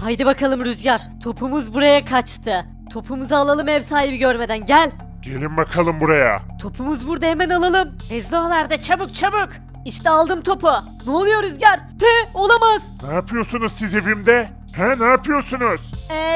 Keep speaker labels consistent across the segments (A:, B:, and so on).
A: Haydi bakalım Rüzgar. Topumuz buraya kaçtı. Topumuzu alalım ev sahibi görmeden gel.
B: Gelin bakalım buraya.
A: Topumuz burada hemen alalım. Ezdoğalarda çabuk çabuk. İşte aldım topu. Ne oluyor Rüzgar? Olamaz.
B: Ne yapıyorsunuz siz evimde? Ne yapıyorsunuz?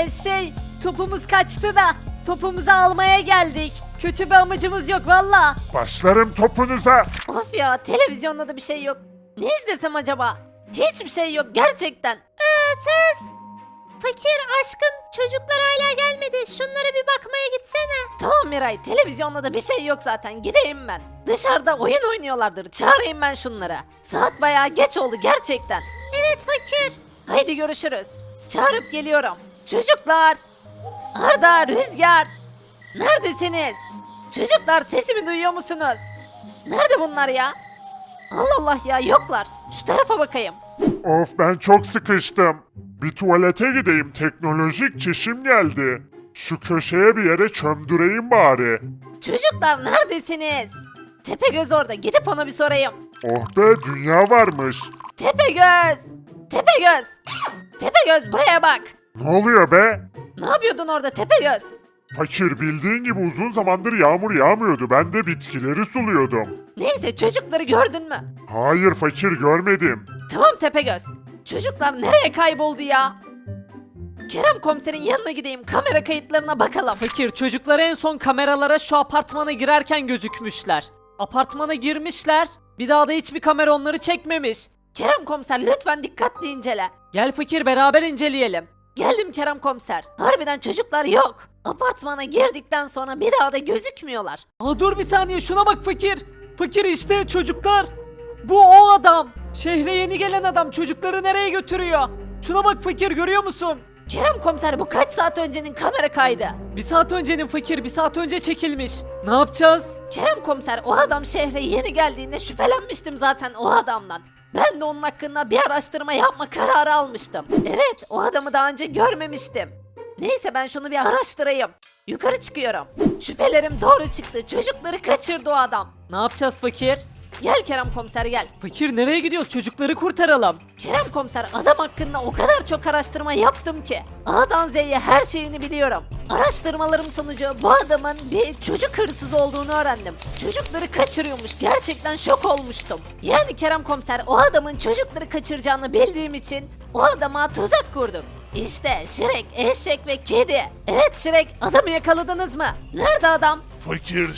A: Topumuz kaçtı da. Topumuzu almaya geldik. Kötü bir amacımız yok valla.
B: Başlarım topunuza.
A: Of ya televizyonda da bir şey yok. Ne izlesem acaba? Hiçbir şey yok gerçekten. Öf. Fakir aşkım çocuklar hala gelmedi. Şunlara bir bakmaya gitsene. Tamam Miray televizyonda da bir şey yok zaten gideyim ben. Dışarıda oyun oynuyorlardır çağırayım ben şunlara. Saat bayağı geç oldu gerçekten. Evet fakir. Haydi görüşürüz. Çağırıp geliyorum. Çocuklar. Arda, Rüzgar. Neredesiniz? Çocuklar sesimi duyuyor musunuz? Nerede bunlar ya? Allah Allah ya yoklar. Şu tarafa bakayım.
B: Of ben çok sıkıştım. Bir tuvalete gideyim, teknolojik çişim geldi. Şu köşeye bir yere çömdüreyim bari.
A: Çocuklar neredesiniz? Tepegöz orada gidip ona bir sorayım.
B: Oh be, dünya varmış.
A: Tepegöz! Tepegöz! Tepegöz buraya bak.
B: Ne oluyor be?
A: Ne yapıyordun orada Tepegöz?
B: Fakir, bildiğin gibi uzun zamandır yağmur yağmıyordu. Ben de bitkileri suluyordum.
A: Neyse çocukları gördün mü?
B: Hayır fakir, görmedim.
A: Tamam Tepegöz. Çocuklar nereye kayboldu ya? Kerem komiserin yanına gideyim kamera kayıtlarına bakalım. Fakir çocuklar en son kameralara şu apartmana girerken gözükmüşler. Apartmana girmişler. Bir daha da hiçbir kamera onları çekmemiş. Kerem komiser lütfen dikkatli incele. Gel fakir beraber inceleyelim. Geldim Kerem komiser. Harbiden çocuklar yok. Apartmana girdikten sonra bir daha da gözükmüyorlar. Dur bir saniye şuna bak fakir. Fakir işte çocuklar. Bu o adam. Şehre yeni gelen adam çocukları nereye götürüyor? Şuna bak fakir görüyor musun? Kerem komiser bu kaç saat öncenin kamera kaydı? Bir saat öncenin fakir bir saat önce çekilmiş. Ne yapacağız? Kerem komiser o adam şehre yeni geldiğinde şüphelenmiştim zaten o adamdan. Ben de onun hakkında bir araştırma yapma kararı almıştım. Evet o adamı daha önce görmemiştim. Neyse ben şunu bir araştırayım. Yukarı çıkıyorum. Şüphelerim doğru çıktı. Çocukları kaçırdı o adam. Ne yapacağız fakir? Gel Kerem komiser gel. Fakir nereye gidiyoruz? Çocukları kurtaralım. Kerem komiser adam hakkında o kadar çok araştırma yaptım ki. A'dan Z'ye her şeyini biliyorum. Araştırmalarım sonucu bu adamın bir çocuk hırsızı olduğunu öğrendim. Çocukları kaçırıyormuş. Gerçekten şok olmuştum. Yani Kerem komiser o adamın çocukları kaçıracağını bildiğim için o adama tuzak kurduk. İşte Şirek, Eşek ve Kedi. Evet Şirek adamı yakaladınız mı? Nerede adam?
B: Fakir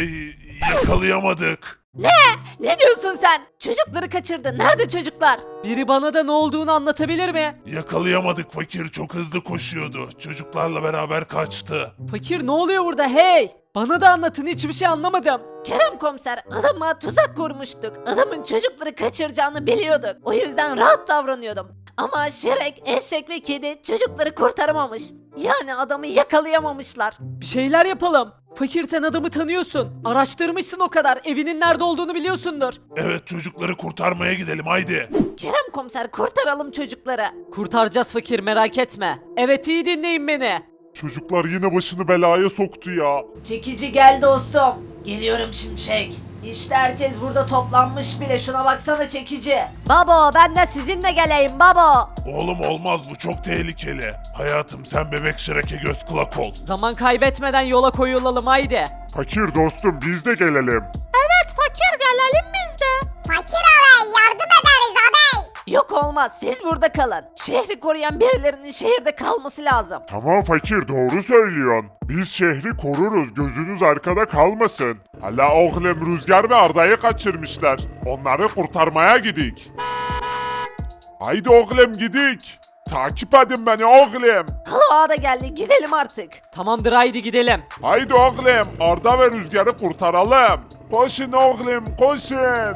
B: yakalayamadık.
A: Ne diyorsun sen? Çocukları kaçırdı. Nerede çocuklar? Biri bana da ne olduğunu anlatabilir mi?
B: Yakalayamadık fakir, çok hızlı koşuyordu. Çocuklarla beraber kaçtı.
A: Fakir ne oluyor burada hey? Bana da anlatın hiçbir şey anlamadım. Kerem komiser adama tuzak kurmuştuk. Adamın çocukları kaçıracağını biliyorduk. O yüzden rahat davranıyordum. Ama Şirek, Eşek ve Kedi çocukları kurtaramamış. Yani adamı yakalayamamışlar. Bir şeyler yapalım. Fakir sen adamı tanıyorsun. Araştırmışsın o kadar. Evinin nerede olduğunu biliyorsundur.
B: Evet, çocukları kurtarmaya gidelim haydi.
A: Kerem komiser kurtaralım çocukları. Kurtaracağız fakir merak etme. Evet iyi dinleyin beni.
B: Çocuklar yine başını belaya soktu ya.
A: Çekici gel dostum. Geliyorum Şimşek. İşte herkes burada toplanmış bile şuna baksana çekici. Babo ben de sizinle geleyim babo.
B: Oğlum olmaz, bu çok tehlikeli. Hayatım sen bebek Şirek'e göz kulak ol.
A: Zaman kaybetmeden yola koyulalım haydi.
B: Fakir dostum, biz de gelelim.
A: Evet fakir gelelim biz de.
C: Fakir ağabey yardım ederiz ağabey.
A: Yok olmaz siz burada kalın. Şehri koruyan birilerinin şehirde kalması lazım.
B: Tamam fakir, doğru söylüyorsun. Biz şehri koruruz, gözünüz arkada kalmasın. Hala oğlum Rüzgar ve Arda'yı kaçırmışlar. Onları kurtarmaya gidik. Haydi oğlum gidik. Takip edin beni oğlum.
A: Halo ağa da geldi gidelim artık. Tamamdır haydi gidelim.
B: Haydi oğlum, Arda ve Rüzgar'ı kurtaralım. Koşun oğlum, koşun.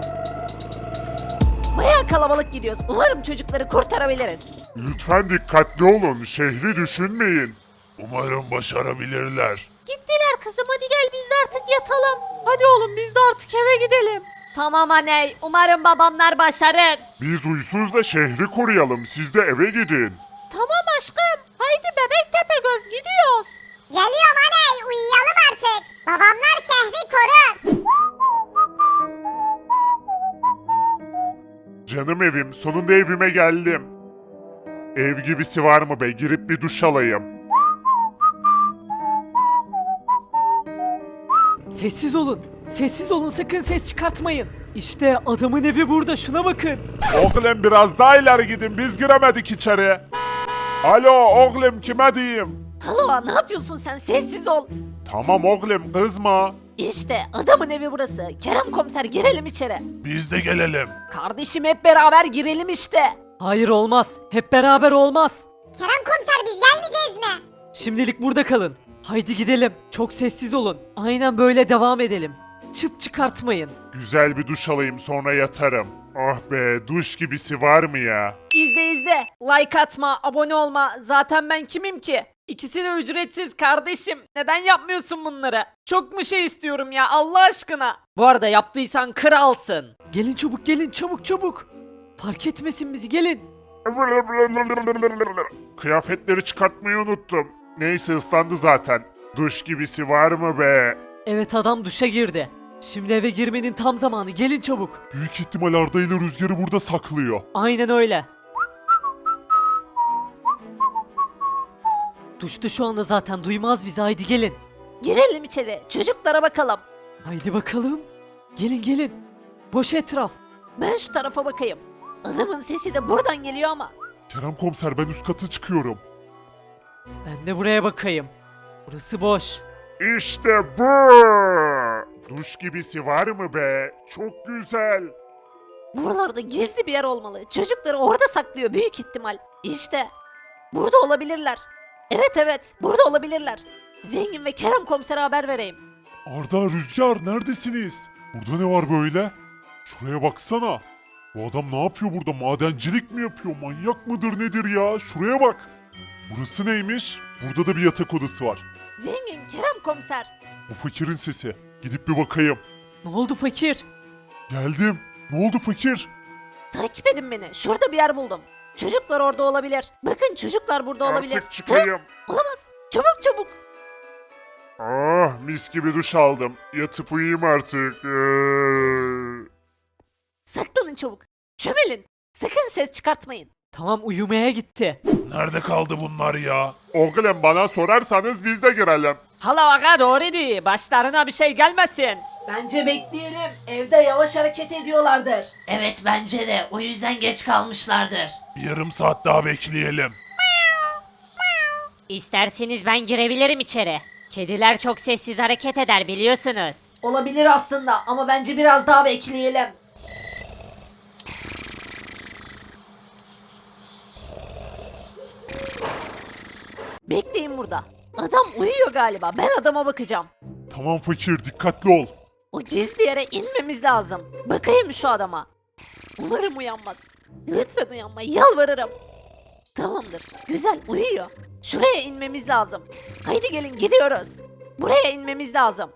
A: Bayağı kalabalık gidiyoruz. Umarım çocukları kurtarabiliriz.
B: Lütfen dikkatli olun, şehri düşünmeyin. Umarım başarabilirler.
A: Gittiler kızım hadi gel biz de artık yatalım. Hadi oğlum biz de artık eve gidelim. Tamam anne umarım babamlar başarır.
B: Biz uysuz da şehri koruyalım, siz de eve gidin.
A: Tamam aşkım haydi bebek Tepegöz gidiyoruz.
C: Geliyorum aney uyuyalım artık. Babamlar şehri korur.
B: Canım evim, sonunda evime geldim. Ev gibisi var mı be? Girip bir duş alayım.
A: Sessiz olun. Sessiz olun, sakın ses çıkartmayın. İşte adamın evi burada, şuna bakın.
B: Oğlum biraz daha ileri gidin, biz giremedik içeri. Alo oğlum, kime diyeyim?
A: Halo, ne yapıyorsun sen? Sessiz ol.
B: Tamam oğlum, kızma.
A: İşte adamın evi burası. Kerem komiser, girelim içeri.
B: Biz de gelelim.
A: Kardeşim, hep beraber girelim işte. Hayır, olmaz. Hep beraber olmaz.
C: Kerem komiser biz gelmeyeceğiz mi?
A: Şimdilik burada kalın. Haydi gidelim. Çok sessiz olun. Aynen böyle devam edelim. Çıt çıkartmayın.
B: Güzel bir duş alayım, sonra yatarım. Ah be, duş gibisi var mı ya?
A: İzle. Like atma, abone olma. Zaten ben kimim ki? İkisi de ücretsiz kardeşim. Neden yapmıyorsun bunları? Çok mu şey istiyorum ya, Allah aşkına? Bu arada yaptıysan kralsın. Gelin çabuk, gelin çabuk. Fark etmesin bizi, gelin.
B: Kıyafetleri çıkartmayı unuttum. Neyse, ıslandı zaten. Duş gibisi var mı be?
A: Evet, adam duşa girdi. Şimdi eve girmenin tam zamanı, gelin çabuk.
B: Büyük ihtimal Arda ile Rüzgar'ı burada saklıyor.
A: Aynen öyle. Duşta şu anda zaten, duymaz bizi, haydi gelin. Girelim içeri, çocuklara bakalım. Haydi bakalım. Gelin. Boş etraf. Ben şu tarafa bakayım. Adamın sesi de buradan geliyor ama.
B: Kerem komiser, ben üst kata çıkıyorum.
A: Ben de buraya bakayım. Burası boş.
B: İşte bu! Duş gibisi var mı be? Çok güzel.
A: Buralarda gizli bir yer olmalı. Çocukları orada saklıyor büyük ihtimal. İşte. Burada olabilirler. Evet, burada olabilirler. Zengin ve Kerem komisere haber vereyim.
B: Arda, Rüzgar neredesiniz? Burada ne var böyle? Şuraya baksana. Bu adam ne yapıyor burada? Madencilik mi yapıyor? Manyak mıdır nedir ya? Şuraya bak. Burası neymiş? Burada da bir yatak odası var.
A: Zengin, Kerem komiser.
B: Bu fakirin sesi. Gidip bir bakayım.
A: Ne oldu fakir?
B: Geldim. Ne oldu fakir?
A: Takip edin beni. Şurada bir yer buldum. Çocuklar orada olabilir. Bakın, çocuklar burada olabilir.
B: Artık çıkayım.
A: Hı? Olamaz. Çabuk.
B: Ah, mis gibi duş aldım. Yatıp uyuyayım artık.
A: Saklanın çabuk. Çömelin. Sakın ses çıkartmayın. Tamam, uyumaya gitti.
B: Nerede kaldı bunlar ya? Oğlum, bana sorarsanız biz de girelim.
A: Hala aga, doğru değil. Başlarına bir şey gelmesin. Bence bekleyelim. Evde yavaş hareket ediyorlardır. Evet, bence de. O yüzden geç kalmışlardır.
B: Yarım saat daha bekleyelim.
D: İsterseniz ben girebilirim içeri. Kediler çok sessiz hareket eder biliyorsunuz.
A: Olabilir aslında ama bence biraz daha bekleyelim. Bekleyin burada. Adam uyuyor galiba. Ben adama bakacağım.
B: Tamam fakir, dikkatli ol.
A: O gizli yere inmemiz lazım. Bakayım şu adama. Umarım uyanmaz. Lütfen uyanma, yalvarırım. Tamamdır. Güzel, uyuyor. Şuraya inmemiz lazım. Haydi gelin, gidiyoruz. Buraya inmemiz lazım.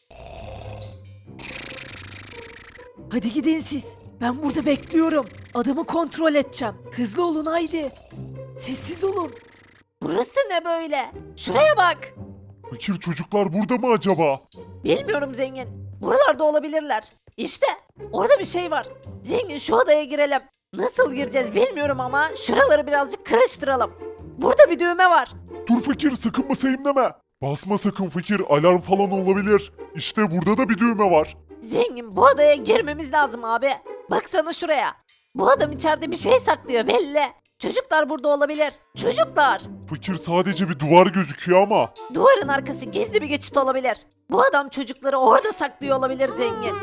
A: Hadi gidin siz. Ben burada bekliyorum. Adamı kontrol edeceğim. Hızlı olun haydi. Sessiz olun. Burası ne böyle? Şuraya bak.
B: Fakir, çocuklar burada mı acaba?
A: Bilmiyorum zengin. Buralarda olabilirler. İşte orada bir şey var. Zengin, şu odaya girelim. Nasıl gireceğiz bilmiyorum ama şuraları birazcık karıştıralım. Burada bir düğme var.
B: Dur fakir, sakın basayım deme. Basma sakın fakir, alarm falan olabilir. İşte burada da bir düğme var.
A: Zengin, bu odaya girmemiz lazım abi. Baksana şuraya. Bu adam içeride bir şey saklıyor belli. Çocuklar burada olabilir. Çocuklar.
B: Fakir, sadece bir duvar gözüküyor ama.
A: Duvarın arkası gizli bir geçit olabilir. Bu adam çocukları orada saklıyor olabilir zengin.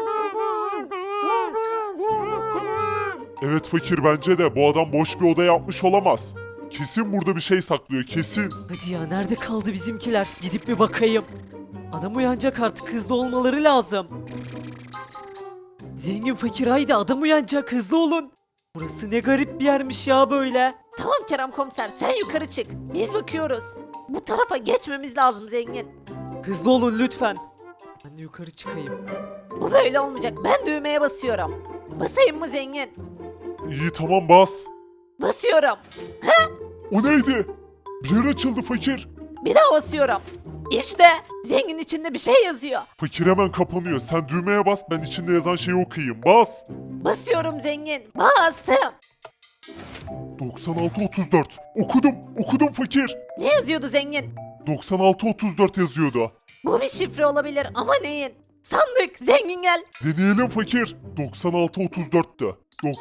B: Evet fakir, bence de bu adam boş bir oda yapmış olamaz. Kesin burada bir şey saklıyor, kesin.
A: Hadi ya, nerede kaldı bizimkiler? Gidip bir bakayım. Adam uyanacak artık, hızlı olmaları lazım. Zengin, fakir, haydi, adam uyanacak, hızlı olun. Burası ne garip bir yermiş ya böyle. Tamam Kerem komiser, sen yukarı çık. Biz bakıyoruz. Bu tarafa geçmemiz lazım zengin. Hızlı olun lütfen. Ben de yukarı çıkayım. Bu böyle olmayacak. Ben düğmeye basıyorum. Basayım mı zengin?
B: İyi, tamam, bas.
A: Basıyorum.
B: O neydi? Bir yer açıldı fakir.
A: Bir daha basıyorum. İşte zengin, içinde bir şey yazıyor.
B: Fakir hemen kapanıyor. Sen düğmeye bas, ben içinde yazan şeyi okuyayım. Bas.
A: Basıyorum zengin. Bastım.
B: 96-34. Okudum fakir.
A: Ne yazıyordu zengin?
B: 96-34 yazıyordu.
A: Bu bir şifre olabilir ama neyin? Sandık, zengin gel.
B: Deneyelim fakir. 96-34'tü.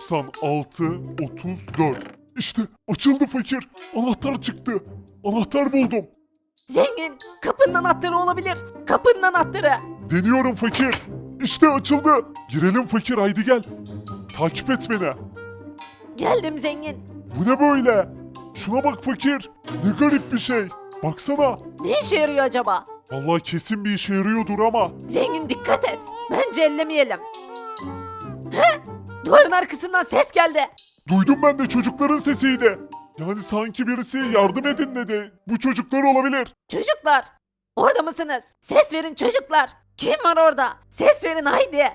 B: 96-34. İşte açıldı fakir. Anahtar çıktı. Anahtar buldum.
A: Zengin, kapının anahtarı olabilir. Kapının anahtarı.
B: Deniyorum fakir. İşte açıldı. Girelim fakir, haydi gel. Takip et beni.
A: Geldim zengin.
B: Bu ne böyle? Şuna bak fakir. Ne garip bir şey. Baksana.
A: Ne işe yarıyor acaba?
B: Vallahi kesin bir işe yarıyordur ama.
A: Zengin dikkat et. Bence ellemeyelim. He? Duvarın arkasından ses geldi.
B: Duydum ben de, çocukların sesiydi. Yani sanki birisi yardım edin dedi. Bu çocuklar olabilir.
A: Çocuklar, orada mısınız? Ses verin çocuklar. Kim var orada? Ses verin haydi.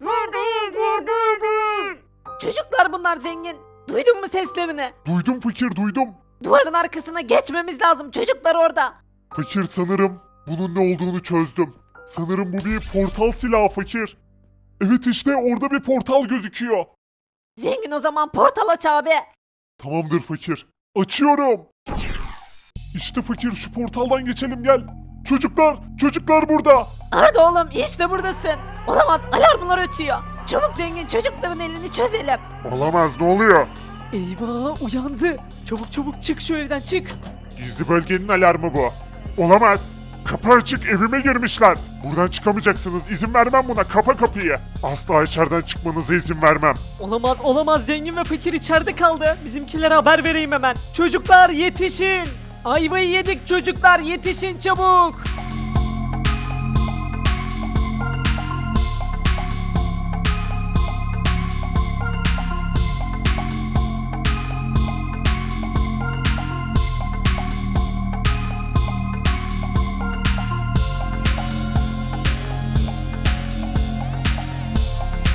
A: Çocuklar bunlar zengin. Duydun mu seslerini?
B: Duydum fakir, duydum.
A: Duvarın arkasına geçmemiz lazım. Çocuklar orada.
B: Fakir, sanırım bunun ne olduğunu çözdüm. Sanırım bu bir portal silahı fakir. Evet, işte orada bir portal gözüküyor.
A: Zengin o zaman portal aç abi.
B: Tamamdır fakir. Açıyorum. İşte fakir, şu portaldan geçelim, gel. Çocuklar burada.
A: Arda oğlum işte buradasın. Olamaz, alarmlar ötüyor. Çabuk zengin, çocukların elini çözelim.
B: Olamaz, ne oluyor?
A: Eyvah, uyandı. Çabuk çık şu evden, çık.
B: Gizli bölgenin alarmı bu. Olamaz. Kapı açık, evime girmişler. Buradan çıkamayacaksınız, izin vermem buna, kapa kapıyı. Asla içeriden çıkmanıza izin vermem.
A: Olamaz, zengin ve fakir içeride kaldı. Bizimkilere haber vereyim hemen. Çocuklar yetişin. Ayvayı yedik çocuklar, yetişin çabuk.